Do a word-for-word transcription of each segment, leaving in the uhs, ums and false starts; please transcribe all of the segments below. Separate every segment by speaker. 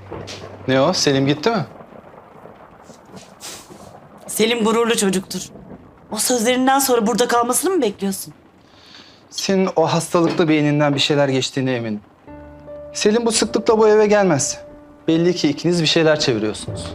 Speaker 1: Ne o? Selim gitti mi?
Speaker 2: Selim gururlu çocuktur. O sözlerinden sonra burada kalmasını mı bekliyorsun?
Speaker 1: Senin o hastalıklı beyninden bir şeyler geçtiğine eminim. Selim bu sıklıkla bu eve gelmez. Belli ki ikiniz bir şeyler çeviriyorsunuz.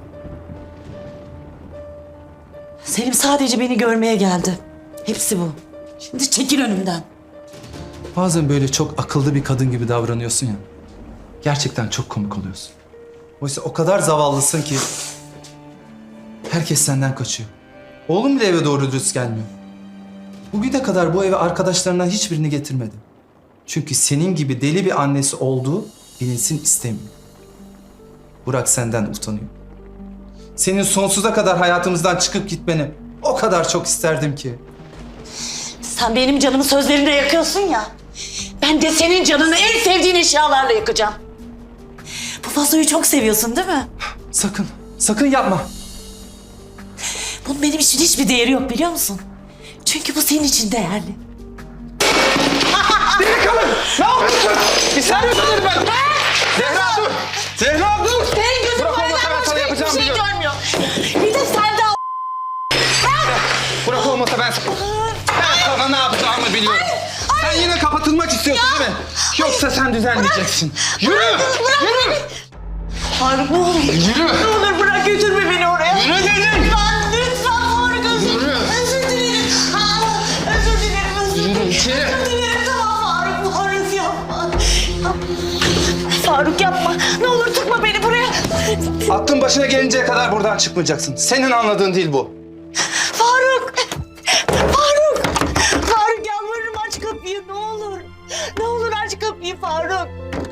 Speaker 2: Selim sadece beni görmeye geldi. Hepsi bu. Şimdi çekil önümden.
Speaker 1: Bazen böyle çok akıllı bir kadın gibi davranıyorsun ya. Gerçekten çok komik oluyorsun. Oysa o kadar zavallısın ki herkes senden kaçıyor. Oğlum bile eve doğru dürüst gelmiyor. Bugüne kadar bu eve arkadaşlarından hiçbirini getirmedi. Çünkü senin gibi deli bir annesi olduğu bilinsin istemiyor. Burak senden utanıyor. Senin sonsuza kadar hayatımızdan çıkıp gitmeni o kadar çok isterdim ki.
Speaker 2: Sen benim canımı sözlerinde yakıyorsun ya. Ben de senin canını en sevdiğin eşyalarla yakacağım. Bu vazoyu çok seviyorsun değil mi?
Speaker 1: Sakın, sakın yapma.
Speaker 2: Bunun benim için hiçbir değeri yok biliyor musun? Çünkü bu senin için değerli.
Speaker 1: Delikanlı! Ne yapıyorsun? Bir saniye sanırım ben. Zehra dur! Zehra dur!
Speaker 2: Senin gözün
Speaker 1: Bırak
Speaker 2: bu
Speaker 1: olmasa
Speaker 2: evden
Speaker 1: ben
Speaker 2: başka
Speaker 1: sana
Speaker 2: hiçbir
Speaker 1: yapacağım
Speaker 2: şey
Speaker 1: biliyorum.
Speaker 2: görmüyor. Bir de Selda.
Speaker 1: Bırak olmasa ben... Ben sana ne yapacağımı biliyorum. Sen yine kapatılmak istiyorsun değil mi? Yoksa sen düzenleyeceksin. Yürü! Yürü!
Speaker 2: Faruk ne olur.
Speaker 1: Yürü!
Speaker 2: Ne olur bırak götürme beni oraya.
Speaker 1: Yürü dedim!
Speaker 2: Lütfen, lütfen Faruk özür
Speaker 1: Yürü!
Speaker 2: Özür dilerim. Aa, özür dilerim, özür
Speaker 1: Yürü
Speaker 2: dilerim.
Speaker 1: içeri.
Speaker 2: Özür dilerim tamam Faruk, Faruk yapma. Faruk yapma. Ne olur tıkma beni buraya.
Speaker 1: Aklın başına gelinceye kadar buradan çıkmayacaksın. Senin anladığın değil bu.
Speaker 2: Faruk! Faruk! Faruk yalvarırım aç kapıyı ne olur. Ne olur aç kapıyı Faruk.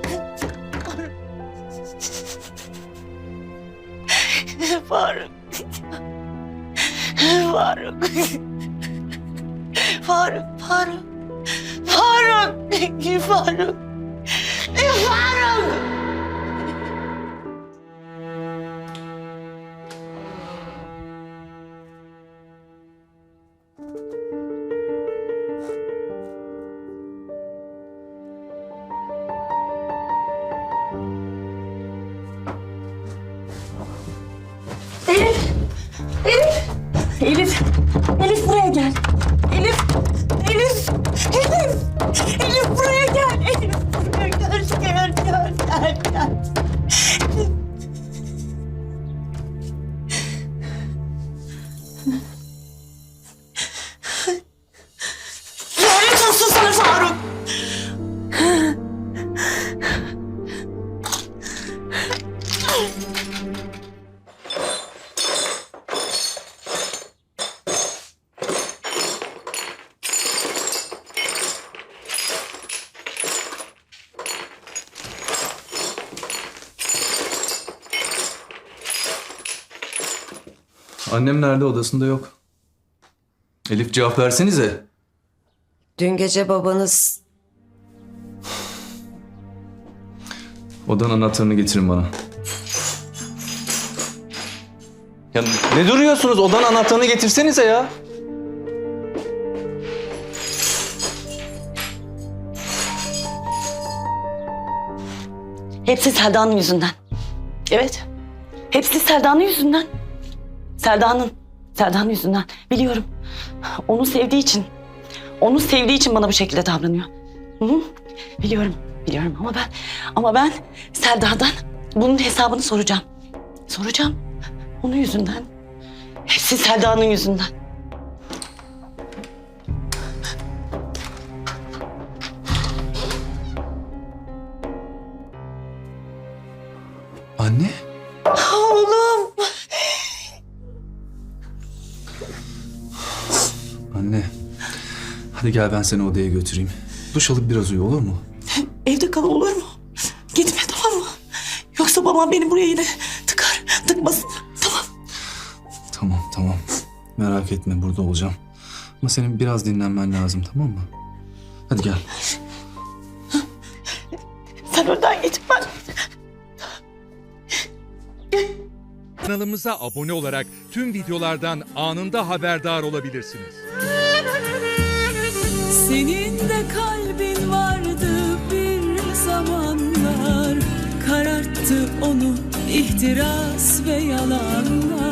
Speaker 2: Faruk. Faruk. Faruk. Faruk. Faruk. Faruk. Faruk. Elif! Elif! Elif! Elif buraya gel. Elif! Elif! Elif! Elif buraya gel. Elif buraya gel. Gel, gel, gel, gel. Lanet olsun sana Faruk.
Speaker 3: Annem nerede? Odasında yok. Elif cevap versenize.
Speaker 4: Dün gece babanız
Speaker 3: Odanın anahtarını getirin bana.
Speaker 1: Ya ne duruyorsunuz? Odanın anahtarını getirsenize ya.
Speaker 2: Hepsi Selda'nın yüzünden. Evet. Hepsi Selda'nın yüzünden. Selda'nın. Selda'nın yüzünden. Biliyorum. Onu sevdiği için. Onu sevdiği için bana bu şekilde davranıyor. Hı hı. Biliyorum. Biliyorum ama ben ama ben Selda'dan bunun hesabını soracağım. Soracağım. Onun yüzünden. Hepsi Selda'nın yüzünden.
Speaker 3: Anne?
Speaker 2: Oğlum.
Speaker 3: Anne. Hadi gel ben seni odaya götüreyim. Duş alıp biraz uyu olur mu?
Speaker 2: Evde kal olur mu? Gitme tamam mı? Yoksa babam beni buraya yine tıkar. Tıkmasın. Tamam.
Speaker 3: Tamam tamam. Merak etme burada olacağım. Ama senin biraz dinlenmen lazım tamam mı? Hadi gel.
Speaker 2: Sen önden git ben.
Speaker 5: Kanalımıza abone olarak tüm videolardan anında haberdar olabilirsiniz.
Speaker 6: Senin de kalbin vardı bir zamanlar, kararttı Sardı onu ihtiras ve yalanlar.